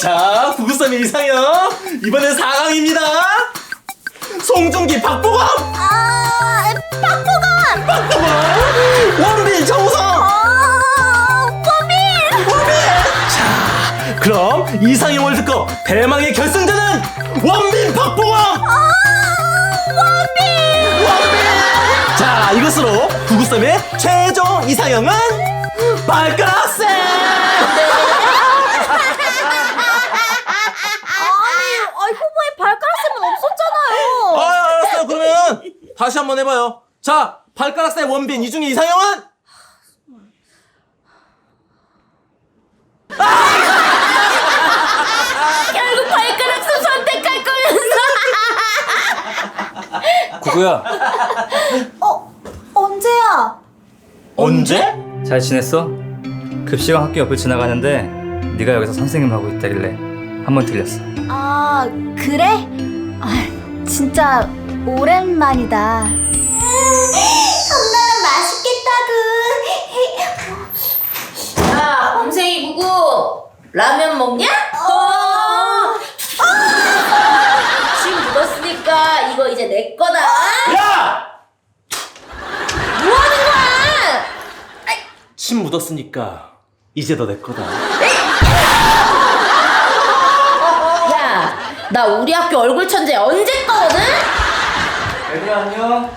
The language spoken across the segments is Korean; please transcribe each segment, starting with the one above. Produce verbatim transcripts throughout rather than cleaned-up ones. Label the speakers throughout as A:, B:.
A: 자, 구구삼 이상형 이번엔 사 강입니다. 송중기 박보검.
B: 아, 박보검.
A: 박보검. 원빈 정우성.
B: 아, 범인.
A: 원빈. 자, 그럼 이상형을 듣고 대망의 결승전은 원빈 박보검.
B: 아, 원빈.
A: 원빈. 자, 이것으로 구구삼의 최종 이상형은 발가락쌤.
B: 아니, 후보에 발가락쌤은 없었잖아요.
A: 아, 알았어요. 그러면 다시 한번 해봐요. 자, 발가락쌤, 원빈 이 중에 이상형은?
B: 결국 발가락쌤 선택할 거면서.
C: 구구야,
B: 어, 언제야?
A: 언제?
C: 잘 지냈어? 급식왕 학교 옆을 지나가는데 네가 여기서 선생님 하고 있다길래 한번 들렸어.
B: 아, 그래? 아, 진짜 오랜만이다. 엄마는 맛있겠다구.
D: 야, 범생이 구구 라면 먹냐? 어. 침 묻었으니까 이거 이제 내 거다.
A: 야!
D: 뭐 하는 거야?
A: 침 묻었으니까 이제 너 내 거다.
D: 야, 나 우리 학교 얼굴 천재 언제 거거든?
C: 얘들아 안녕.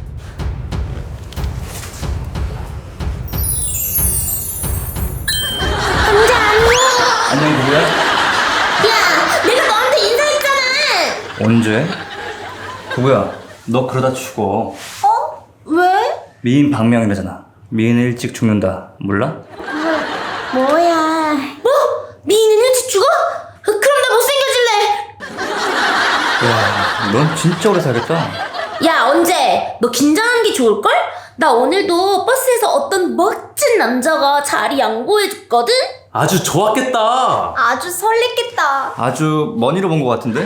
B: 언제 안녕?
C: 안녕 구구야.
B: 야, 내가 너한테 인사했잖아.
C: 언제? 구구야, 너 그러다 죽어.
B: 어? 왜?
C: 미인 방명이라잖아. 미인은 일찍 죽는다. 몰라?
B: 뭐야?
D: 뭐? 미인은 일찍 죽어? 그럼 나 못생겨질래.
C: 야, 넌 진짜 오래 살겠다.
D: 야, 언제? 너 긴장한 게 좋을걸? 나 오늘도 버스에서 어떤 멋진 남자가 자리 양보해줬거든?
A: 아주 좋았겠다.
B: 아주 설렜겠다.
C: 아주 머니로 본 것 같은데?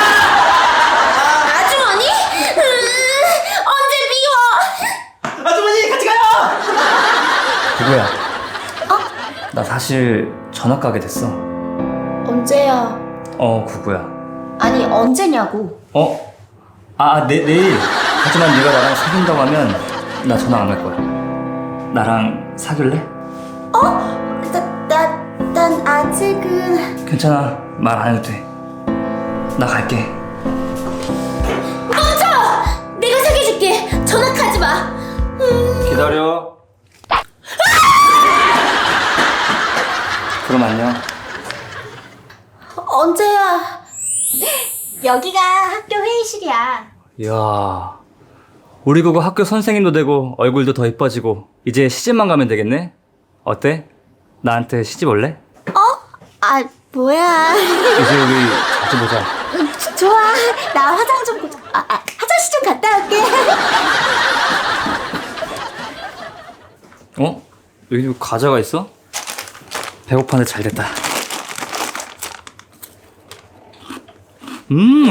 D: 아주머니? 음, 언제 미워?
A: 아주머니 같이 가요.
C: 구구야. 나 사실 전학 가게 됐어.
B: 언제야?
C: 어, 구구야.
B: 아니, 언제냐고.
C: 어? 아, 내, 내일. 하지만 네가 나랑 사귄다고 하면 나 전화 안 갈 거야. 나랑 사귈래?
B: 어? 나, 나, 난 아직은.
C: 괜찮아. 말 안 해도 돼. 나 갈게.
D: 멈춰! 내가 사귀어줄게. 전학하지 마. 음,
C: 기다려. 그럼 안녕.
B: 언제야? 여기가 학교 회의실이야.
C: 이야, 우리 그거 학교 선생님도 되고 얼굴도 더 이뻐지고 이제 시집만 가면 되겠네? 어때? 나한테 시집 올래?
B: 어? 아, 뭐야.
C: 이제 우리 자주 보자.
B: 음, 조- 좋아. 나 화장 좀 보자. 아, 아, 화장실 좀 갔다 올게.
C: 어? 여기 과자가 있어? 배고파는데 잘 됐다. 음,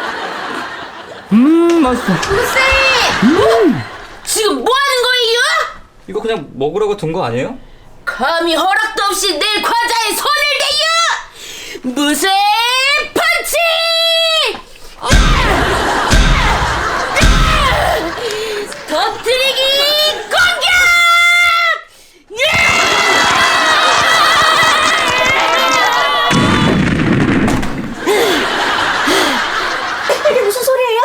C: 음, 맛있어.
D: 쌤! 지금 뭐 하는 거예요?
C: 이거 그냥 먹으라고 둔 거 아니에요?
D: 감히 허락도 없이 내 과자에 손을 대요! 무쇠 펀치! 터뜨리기 공격!
B: 이게 무슨 소리예요?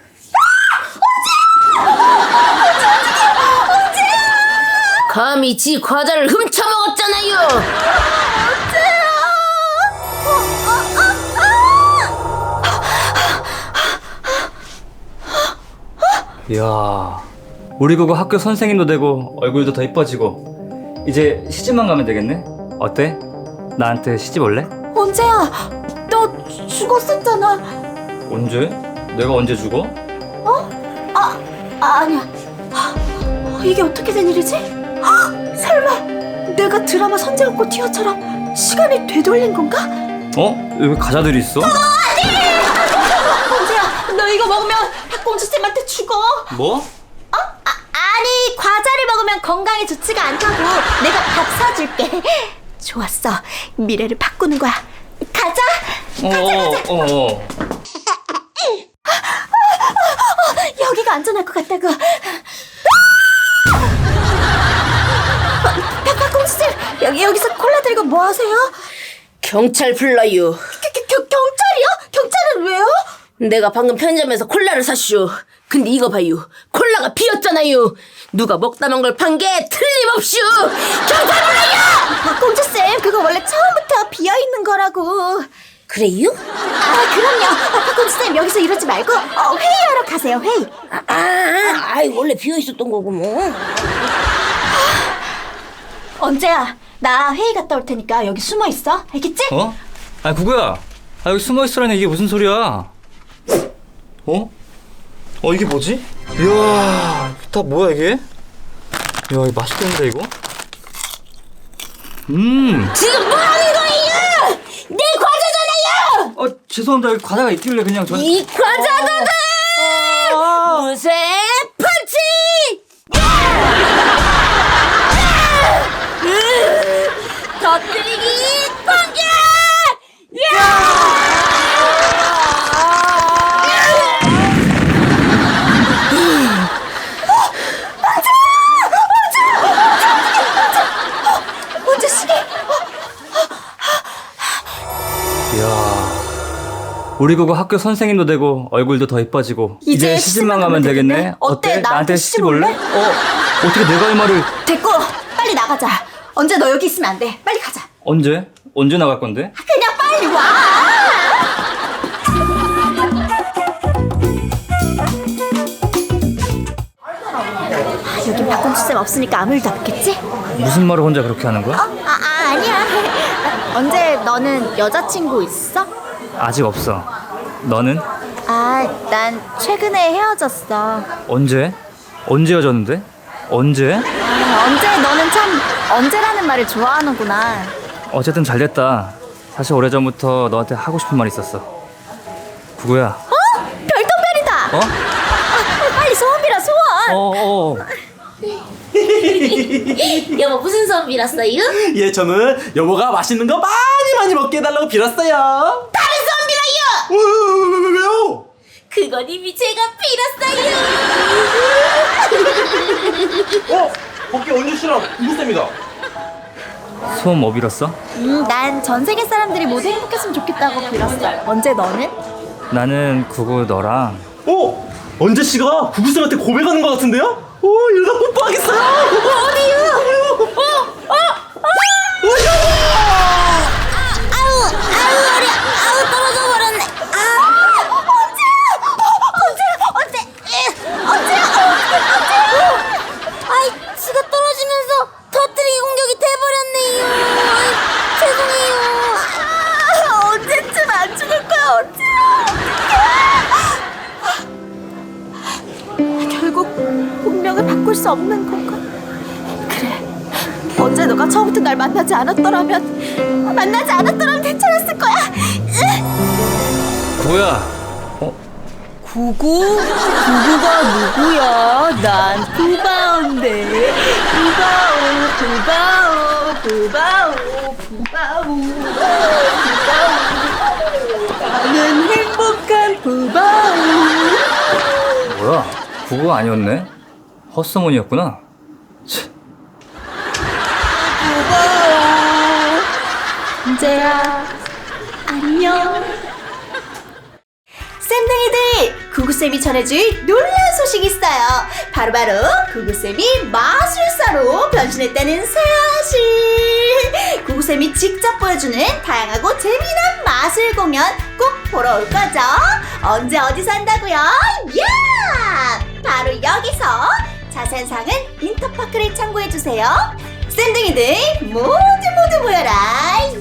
D: 감히 지 과자를 훔쳐먹었잖아요!
C: 이야, 우리 그거 학교 선생님도 되고 얼굴도 더 이뻐지고 이제 시집만 가면 되겠네? 어때? 나한테 시집 올래?
B: 언제야? 너 죽었었잖아.
C: 언제? 내가 언제 죽어?
B: 아, 아니야. 아, 이게 어떻게 된 일이지? 아, 설마 내가 드라마 선제옥고 티어처럼 시간을 되돌린 건가?
C: 어? 여기 과자들이 있어?
B: 언제야? 너 이거 먹으면 학공주 쌤한테 죽어.
C: 뭐?
B: 아, 아니, 과자를 먹으면 건강에 좋지가 않다고. 내가 밥 사줄게. 좋았어. 미래를 바꾸는 거야. 가자.
C: 어, 어, 어.
B: 여기가 안전할 것 같다고. 박박공주님, 여기 여기서 콜라 들고 뭐 하세요?
D: 경찰 불러요.
B: 겨, 겨, 경찰이요? 경찰은 왜요?
D: 내가 방금 편의점에서 콜라를 샀슈. 근데 이거 봐요. 콜라가 비었잖아요. 누가 먹다 만 걸 판 게 틀림없슈. 경찰 불러요!
B: 박공주쌤, 그거 원래 처음부터 비어있는 거라고.
D: 그래요?
B: 아, 그럼요. 아, 박공주쌤, 여기서 이러지 말고 어, 회의하러 가세요, 회의.
D: 아, 아, 아이 원래 비어 있었던 거고 뭐.
B: 언제야? 나 회의 갔다 올 테니까 여기 숨어 있어. 알겠지?
C: 어? 아, 구구야. 아, 여기 숨어 있으라니 이게 무슨 소리야? 어? 어, 이게 뭐지? 이야, 다 뭐야 이게? 이야, 이거 맛있겠는데 이거? 음.
D: 지금 뭐 하는 거예요? 내 과자잖아요.
C: 어, 죄송합니다. 여기 과자가 있길래 그냥 저.
D: 이 과자도다. 무쇠 펀치. 터뜨리기 공격!
B: 언제 시계?
C: 이야. 우리 그거 학교 선생님도 되고 얼굴도 더 이뻐지고 이제 시집만 가면 되겠네.
B: 어때? 나한테 시집
C: 올래?
B: 올래?
C: 어? 어떻게 내가 할 말을?
B: 됐고, 빨리 나가자. 언제 너 여기 있으면 안 돼. 빨리 가자.
C: 언제? 언제 나갈 건데?
B: 그냥 빨리 와. 아, 여기 박공주쌤 없으니까 아무 일도 없겠지?
C: 무슨 말을 혼자 그렇게 하는 거야?
B: 아, 아 아니야. 아, 언제 너는 여자친구 있어?
C: 아직 없어. 너는?
B: 아, 난 최근에 헤어졌어.
C: 언제? 언제 헤어졌는데? 언제?
B: 아, 언제 너는 참 언제라는 말을 좋아하는구나.
C: 어쨌든 잘 됐다. 사실 오래전부터 너한테 하고 싶은 말 있었어. 구구야.
B: 어? 별똥별이다.
C: 어?
B: 아, 빨리 소원 빌어, 소원.
C: 어, 어.
D: 여보 무슨 소원 빌었어요?
A: 예, 저는 여보가 맛있는 거 많이 많이 먹게 해달라고 빌었어요.
D: 다른 소원 빌어요!
A: 왜, 왜, 왜, 왜요?
D: 그건 이미 제가 빌었어요.
A: 어? 거기 언제 씨랑 이구쌤이다.
C: 소원 뭐 빌었어?
B: 음, 난 전 세계 사람들이 모두 행복했으면 좋겠다고 빌었어. 언제 너는?
C: 나는 구구 너랑
A: 어? 언제 씨가 구구쌤한테 고백하는 것 같은데요? 오, 이러다 뽀뽀하겠어요. 어디요? 어? 어? 어?
D: 아우 아우 어려 아우 떨어져 버렸네.
B: 아, 언제야? 언제? 언제? 언제야? 언제?
D: 아이 지가 떨어지면서 터뜨리기 공격이 돼버렸네요. 아이, 죄송해요.
B: 아, 언제쯤 안 죽을 거야? 언제? 결국 운명을 바꿀 수 없는 건가? 그래. 언제 너가 처음부터 날 만나지 않았더라면, 만나지 않았더라면 괜찮았을 거야.
C: 구구야. 어?
B: 구구? 구구가 누구야? 난 구바오인데. 구바오, 구바오, 구바오, 구바오, 구바오. 나는 행복한 구바오.
C: 뭐야? 구구 아니었네? 헛소문이었구나. 치.
B: 구바오. 언제야? 안녕. 쌤둥이들, 구구쌤이 전해줄 놀라운 소식이 있어요. 바로바로 구구쌤이 마술사로 변신했다는 사실. 구구쌤이 직접 보여주는 다양하고 재미난 마술 공연 꼭 보러 올 거죠? 언제 어디서 한다고요? 야! 바로 여기서. 자세한 사항은 인터파크를 참고해주세요. 쌤둥이들 모두 모두 모여라.